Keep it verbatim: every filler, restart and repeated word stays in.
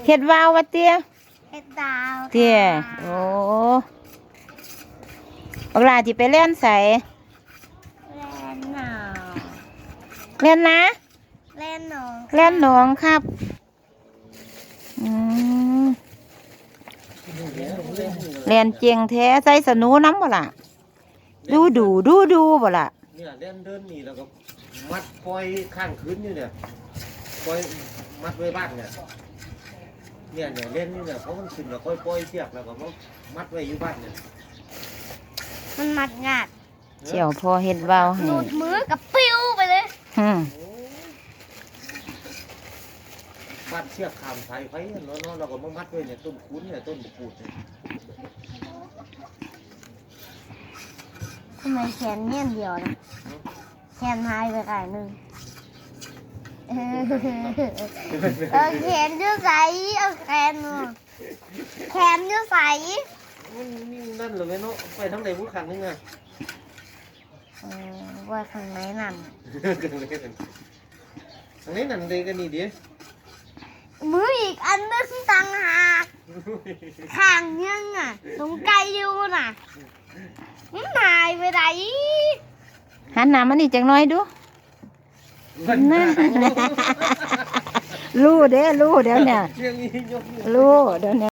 เฮ็ดวาววะเตี้ยเฮ็ดดาวเตี้ยโอ้บักหลาที่ไปเล่นใส่เล่นหนองเล่นนะเล่นหนองเล่นหนองครับอืมเล่นเจียงแท้ใส่สนูน้ำบ่ล่ะดูดูดูดูบ่ล่ะเนี่ยเล่นเดินนี่แล้วก็มัดปล่อยข้างคืนอยู่เนี่ยปล่อยมัดไว้บ้านเนี่ยเนี่ยเนี่ยเล่นนี่เนี่ยเพราะมันขึ้นแล้วค่อยปล่อยเชือกแล้วก็มัดไว้อยู่บ้านเนี่ยมันมัดงาดเจียวพอเฮ็ดวาวให้หลุดมือกับปิ้วไปเลยอืมมัดเชือกขามสายไฟเนาะเนาะเราก็มามัดไว้เนี่ยต้นคุ้นเนี่ยต้นบุกูดเนี่ยทำไมแขนเนี่ยเดียวนะแขนหายไปไกลนึงเออแขนจะใสเอาแขนแขนจะใสมันนี่นั่นเลยเนาะไปทั้งใดผู้ขันนึงอ่ะเออว่าข้างในนั่นข้างในนั่นเด็กกันนี่ดิมืออีกอันนึงต่างหากข้างยังอ่ะตรงไกลอยู่น่ะมันหายไปไหนหันหน้ามานี่จังน้อยดูนั่นรู้เด้รู้เดี๋ยวเนี่ยรู้เดี๋ยวเนี่ย